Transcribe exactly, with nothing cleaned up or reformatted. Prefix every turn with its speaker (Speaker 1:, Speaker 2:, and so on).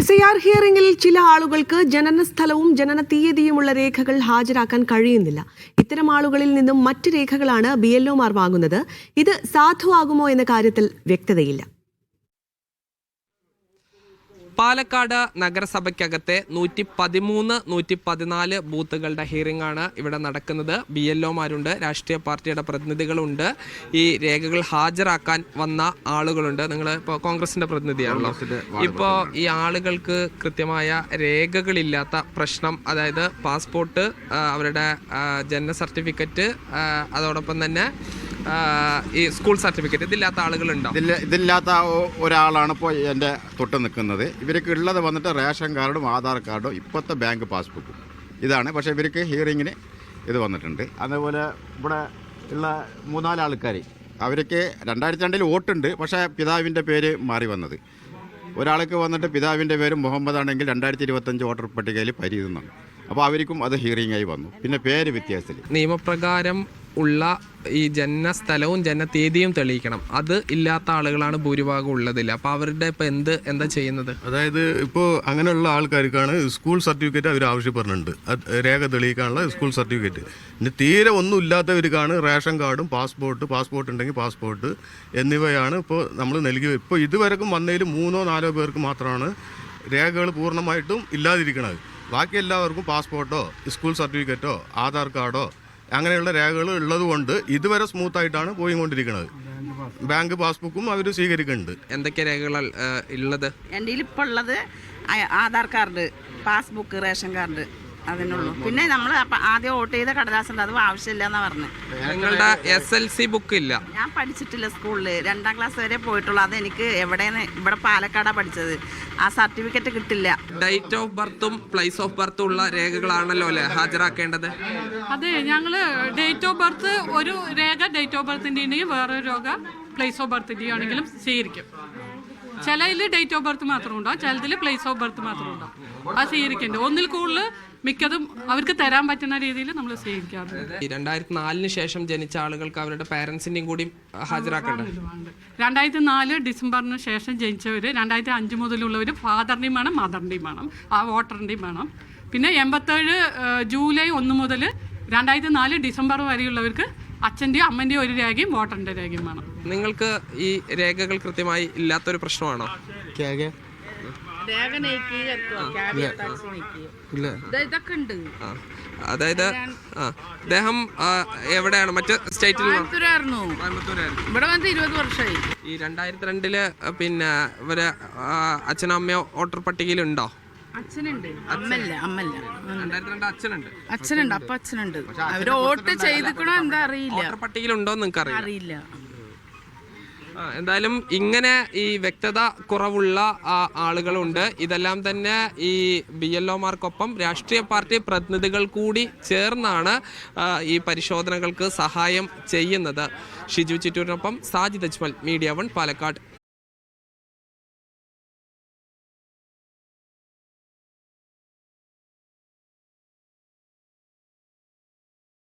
Speaker 1: S I R ഹിയറിംഗിൽ ചില ആളുകൾക്ക് ജനന സ്ഥലവും ജനന തീയതിയുമുള്ള രേഖകൾ ഹാജരാക്കാൻ കഴിയുന്നില്ല. ഇത്തരം ആളുകളിൽ നിന്നും മറ്റ് രേഖകളാണ് ബി എൽ ഒമാർ വാങ്ങുന്നത്. ഇത് സാധുവാകുമോ എന്ന കാര്യത്തിൽ വ്യക്തതയില്ല.
Speaker 2: പാലക്കാട് നഗരസഭയ്ക്കകത്തെ നൂറ്റി പതിമൂന്ന് നൂറ്റി പതിനാല് ബൂത്തുകളുടെ ഹിയറിംഗ് ആണ് ഇവിടെ നടക്കുന്നത്. ബി എൽ ഒമാരുണ്ട്, രാഷ്ട്രീയ പാർട്ടിയുടെ പ്രതിനിധികളുണ്ട്, ഈ രേഖകൾ ഹാജരാക്കാൻ വന്ന ആളുകളുണ്ട്. നിങ്ങൾ ഇപ്പോൾ കോൺഗ്രസിന്റെ പ്രതിനിധിയാണല്ലോ. ഇപ്പോൾ ഈ ആളുകൾക്ക് കൃത്യമായ രേഖകളില്ലാത്ത പ്രശ്നം, അതായത് പാസ്പോർട്ട്, അവരുടെ ജനന സർട്ടിഫിക്കറ്റ്, അതോടൊപ്പം തന്നെ ഈ സ്കൂൾ സർട്ടിഫിക്കറ്റ്, ഇതില്ലാത്ത ആളുകളുണ്ടോ?
Speaker 3: ഇതില്ലാത്ത ഒരാളാണ് ഇപ്പോൾ എൻ്റെ തൊട്ട് നിൽക്കുന്നത്. ഇവർക്ക് ഉള്ളത് വന്നിട്ട് റേഷൻ കാർഡും ആധാർ കാർഡും ഇപ്പോഴത്തെ ബാങ്ക് പാസ്ബുക്കും ഇതാണ്. പക്ഷേ ഇവർക്ക് ഹിയറിങ്ങിന് ഇത് വന്നിട്ടുണ്ട്. അതേപോലെ ഇവിടെ ഉള്ള മൂന്നാല് ആൾക്കാർ, അവർക്ക് രണ്ടായിരത്തി രണ്ടിൽ വോട്ടുണ്ട്, പക്ഷേ പിതാവിൻ്റെ പേര് മാറി വന്നത്. ഒരാൾക്ക് വന്നിട്ട് പിതാവിൻ്റെ പേര് മുഹമ്മദ് ആണെങ്കിൽ രണ്ടായിരത്തി ഇരുപത്തഞ്ച് വോട്ടർ പട്ടികയിൽ പരിചിതമാണ്. അപ്പോൾ അവർക്കും അത് ഹിയറിംഗായി വന്നു. പിന്നെ പേര് വ്യത്യാസത്തിൽ
Speaker 2: നിയമപ്രകാരം ഉള്ള ഈ ജനന സ്ഥലവും ജനന തീയതിയും തെളിയിക്കണം. അത് ഇല്ലാത്ത ആളുകളാണ് ഭൂരിഭാഗം ഉള്ളതില്ല. അപ്പോൾ അവരുടെ ഇപ്പോൾ എന്ത് എന്താ ചെയ്യുന്നത്?
Speaker 4: അതായത് ഇപ്പോൾ അങ്ങനെയുള്ള ആൾക്കാർക്കാണ് സ്കൂൾ സർട്ടിഫിക്കറ്റ് അവർ ആവശ്യപ്പെടുന്നുണ്ട്, രേഖ തെളിയിക്കാനുള്ള സ്കൂൾ സർട്ടിഫിക്കറ്റ്. ഇനി തീരെ ഒന്നും ഇല്ലാത്തവർക്കാണ് റേഷൻ കാർഡും പാസ്പോർട്ട്, പാസ്പോർട്ട് ഉണ്ടെങ്കിൽ പാസ്പോർട്ട് എന്നിവയാണ് ഇപ്പോൾ നമ്മൾ നൽകി. ഇപ്പോൾ ഇതുവരെക്കും വന്നതിൽ മൂന്നോ നാലോ പേർക്ക് മാത്രമാണ് രേഖകൾ പൂർണ്ണമായിട്ടും ഇല്ലാതിരിക്കുന്നത്. ബാക്കി എല്ലാവർക്കും പാസ്പോർട്ടോ സ്കൂൾ സർട്ടിഫിക്കറ്റോ ആധാർ കാർഡോ അങ്ങനെയുള്ള രേഖകൾ ഉള്ളത് കൊണ്ട് ഇതുവരെ സ്മൂത്തായിട്ടാണ് പോയിക്കൊണ്ടിരിക്കുന്നത്. ബാങ്ക് പാസ്ബുക്കും അവർ സ്വീകരിക്കുന്നുണ്ട്.
Speaker 2: എന്തൊക്കെ രേഖകൾ ഉള്ളത്?
Speaker 5: എൻ്റെ ഇപ്പോൾ ഉള്ളത് Aadhaar card, passbook, ration card, അതിനുള്ളൂ. പിന്നെ നമ്മൾ ആദ്യം വോട്ട് ചെയ്ത കടലാസുണ്ട്, അത് ആവശ്യമില്ല എന്നാ പറഞ്ഞത്.
Speaker 2: നിങ്ങളുടെ എസ് എൽ സി ബുക്ക് ഇല്ല?
Speaker 5: ഞാൻ പഠിച്ചിട്ടില്ല സ്കൂളിൽ, രണ്ടാം ക്ലാസ് വരെ പോയിട്ടുള്ളൂ. അത് എനിക്ക് എവിടെയാണ്, ഇവിടെ പാലക്കാടാണ് പഠിച്ചത്. ആ സർട്ടിഫിക്കറ്റ് കിട്ടില്ല.
Speaker 2: ഡേറ്റ് ഓഫ് ബർത്തും പ്ലേസ് ഓഫ് ബർത്തും ഉള്ള രേഖകളാണല്ലോ അല്ലേ ഹാജരാക്കേണ്ടത്?
Speaker 6: അതെ, ഞങ്ങൾ ഡേറ്റ് ഓഫ് ബർത്ത് ഒരു രേഖ ഡേറ്റ് ഓഫ് ബർത്തിൻ്റെ ഉണ്ടെങ്കിൽ വേറൊരു രേഖ പ്ലേസ് ഓഫ് ബർത്തിൻ്റെ ആണെങ്കിലും സ്വീകരിക്കും. ചിലതിൽ ഡേറ്റ് ഓഫ് ബർത്ത് മാത്രം ഉണ്ടാവും, ചിലതിൽ പ്ലേസ് ഓഫ് ബർത്ത് മാത്രം ഉണ്ടാവും. അത് സ്വീകരിക്കേണ്ടത് ഒന്നിൽ കൂടുതൽ മിക്കതും അവർക്ക് തരാൻ പറ്റുന്ന രീതിയിൽ നമ്മൾ സ്വീകരിക്കാറുണ്ട്.
Speaker 2: രണ്ടായിരത്തി നാലിന് ശേഷം ജനിച്ച ആളുകൾക്ക് അവരുടെ പാരൻസിൻ്റെയും കൂടി ഹാജരാക്കേണ്ടത്.
Speaker 6: രണ്ടായിരത്തി നാല് ഡിസംബറിന് ശേഷം ജനിച്ചവർ, രണ്ടായിരത്തി അഞ്ച് മുതലുള്ളവർ ഫാദറിൻ്റെയും വേണം മദറിൻ്റെയും വേണം, ആ വോട്ടറിൻ്റെയും വേണം. പിന്നെ എൺപത്തേഴ് ജൂലൈ ഒന്ന് മുതൽ രണ്ടായിരത്തി നാല് ഡിസംബർ വരെയുള്ളവർക്ക് അച്ഛൻ്റെയും അമ്മൻ്റെയും ഒരു രേഖയും വോട്ടറിൻ്റെ രേഖയും വേണം.
Speaker 2: നിങ്ങൾക്ക് ഈ രേഖകൾ കൃത്യമായി ഇല്ലാത്തൊരു പ്രശ്നമാണോ? അതായത് അദ്ദേഹം എവിടെയാണ്? മറ്റ് സ്റ്റേറ്റിൽ
Speaker 7: ഇവിടെ വന്ന് ഇരുപത് വർഷമായി.
Speaker 2: ഈ രണ്ടായിരത്തി രണ്ടില് പിന്നെ ഇവര് അച്ഛനും അമ്മയോ വോട്ടർ പട്ടികയിലുണ്ടോ?
Speaker 7: അച്ഛനുണ്ട്, അമ്മല്ല അമ്മല്ല
Speaker 2: രണ്ടായിരത്തി രണ്ട് അച്ഛനുണ്ട്
Speaker 7: അച്ഛനുണ്ട് അപ്പൊ അച്ഛനുണ്ട്. അവര് വോട്ട് ചെയ്തിക്കണോ എന്താ അറിയില്ല.
Speaker 2: വോട്ടർ പട്ടികയിലുണ്ടോ നിങ്ങൾക്ക്
Speaker 7: അറിയില്ല.
Speaker 2: എന്തായാലും ഇങ്ങനെ ഈ വ്യക്തത കുറവുള്ള ആളുകളുണ്ട്. ഇതെല്ലാം തന്നെ ഈ ബി എൽ ഒമാർക്കൊപ്പം രാഷ്ട്രീയ പാർട്ടി പ്രതിനിധികൾ കൂടി ചേർന്നാണ് ഈ പരിശോധനകൾക്ക് സഹായം ചെയ്യുന്നത്. ഷിജു ചിറ്റൂരിനൊപ്പം സാജിദ് അജ്മൽ, മീഡിയ വൺ, പാലക്കാട്.